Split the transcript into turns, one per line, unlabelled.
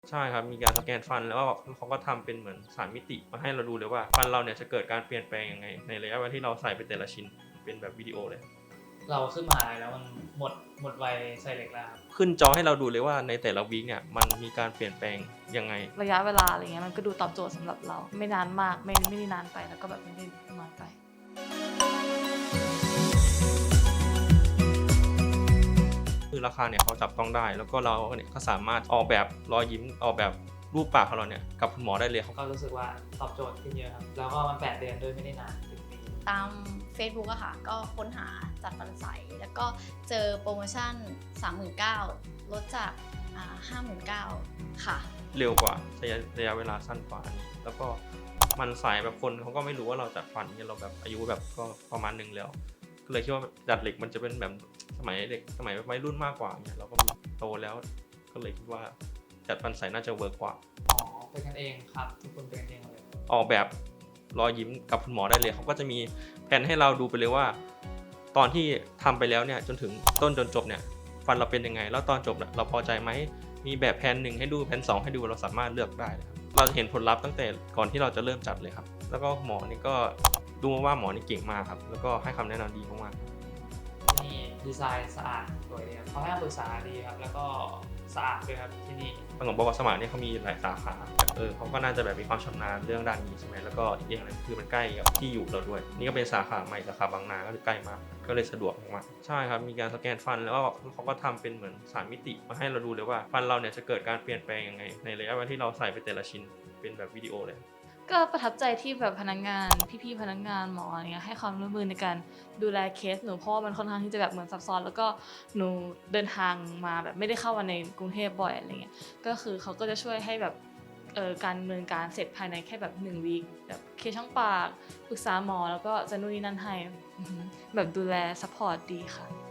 ใช่ครับมีการสแกนฟันแล้วก็เขาก็ทำเป็นเหมือน3มิติมาให้เราดูเลยว่าฟันเราเนี่ยจะเกิดการเปลี่ยนแปลงยังไงในระยะเวลาที่เราใส่ไปแต่ละชิ้นเป็นแบบวิดีโอเลย
เราขึ้นมหาลัยแล้วมันหมดวัยใส่เหล็กแล้วครับ
ขึ้นจอให้เราดูเลยว่าในแต่ละวีคเนี่ยมันมีการเปลี่ยนแปลงยังไง
ระยะเวลาอะไรเงี้ยมันก็ดูตอบโจทย์สำหรับเราไม่นานมากไม่ได้นานไปแล้วก็แบบไม่ได้น้อยไป
คือราคาเนี่ยเขาจับต้องได้แล้วก็เราเนี่ยก็สามารถออกแบบรอยยิ้มออกแบบรูปปากของเราเนี่ยกับคุณหมอได้เลย
ก็รู้สึกว่าตอบโจทย์ขึ้นเยอะครับแล้วก็มัน8 เดือนด้วยไม่ได้นานถึงปี
ตาม Facebook อะค่ะก็ค้นหาจัดฟันใสแล้วก็เจอโปรโมชั่น 39,000 ลดจาก59,000 ค่ะ
เร็วกว่าระยะเวลาสั้นกว่าอันนี้แล้วก็มันใส่แบบคนเขาก็ไม่รู้ว่าเราจัดฟันเนี่ยเราแบบอายุแบบก็ประมาณนึงแล้วก็เลยคิดว่าจัดเหล็กมันจะเป็นแบบสมัยเด็กสมัยวัยรุ่นมากกว่าเนี่ยเราก็โตแล้วก็เลยคิดว่าจัดฟันใสน่าจะเวิร์กกว่า
อ๋อเป็นกันเองครับทุกคนเป็นกันเองเลย
ออกแบบรอยยิ้มกับคุณหมอได้เลยเขาก็จะมีแผนให้เราดูไปเลยว่าตอนที่ทำไปแล้วเนี่ยจนถึงต้นจนจบเนี่ยฟันเราเป็นยังไงแล้วตอนจบเราพอใจไหมมีแบบแผน1ให้ดูแผน2ให้ดูเราสามารถเลือกได้ครับเราจะเห็นผลลัพธ์ตั้งแต่ก่อนที่เราจะเริ่มจัดเลยครับแล้วก็หมอนี่ก็ดูมาว่าหมอนี่เก่งมากครับแล้วก็ให้คำแนะนำดีมากๆ
นี่ดีไซน์สะอาดสวยดีครับเขาให้คำปรึกษาดีครับแล้วก็สะอาดด้วยครับที่นี่
ขนมบกสมัครเนี่ยเขามีหลายสาขาเขาก็น่าจะแบบมีความชำนาญเรื่องด้านนี้ใช่ไหมแล้วก็อีกอย่างหนึงคือมันใกล้กับที่อยู่เราด้วยนี่ก็เป็นสาขาใหม่สาขาบางนาก็ใกล้มากก็เลยสะดวกมากใช่ครับมีการสแกนฟันแล้วก็เขาก็ทำเป็นเหมือน3มิติมาให้เราดูเลยว่าฟันเราเนี่ยจะเกิดการเปลี่ยนแปลงยังไงในระยะเวลาที่เราใส่ไปแต่ละชิ้นเป็นแบบวิดีโอเลย
ก็ประทับใจที่แบบพนักงานพี่ๆพนักงานหมออะไรเงี้ยให้ความร่วมมือในการดูแลเคสหนูเพราะว่ามันค่อนข้างที่จะแบบเหมือนซับซ้อนแล้วก็หนูเดินทางมาแบบไม่ได้เข้ามาในกรุงเทพบ่อยอะไรเงี้ยก็คือเขาก็จะช่วยให้แบบการดำเนินการเสร็จภายในแค่แบบ1 วีคแบบเคสช่องปากปรึกษาหมอแล้วก็จะนู่นนี่นั่นให้แบบดูแลซัพพอร์ตดีค่ะ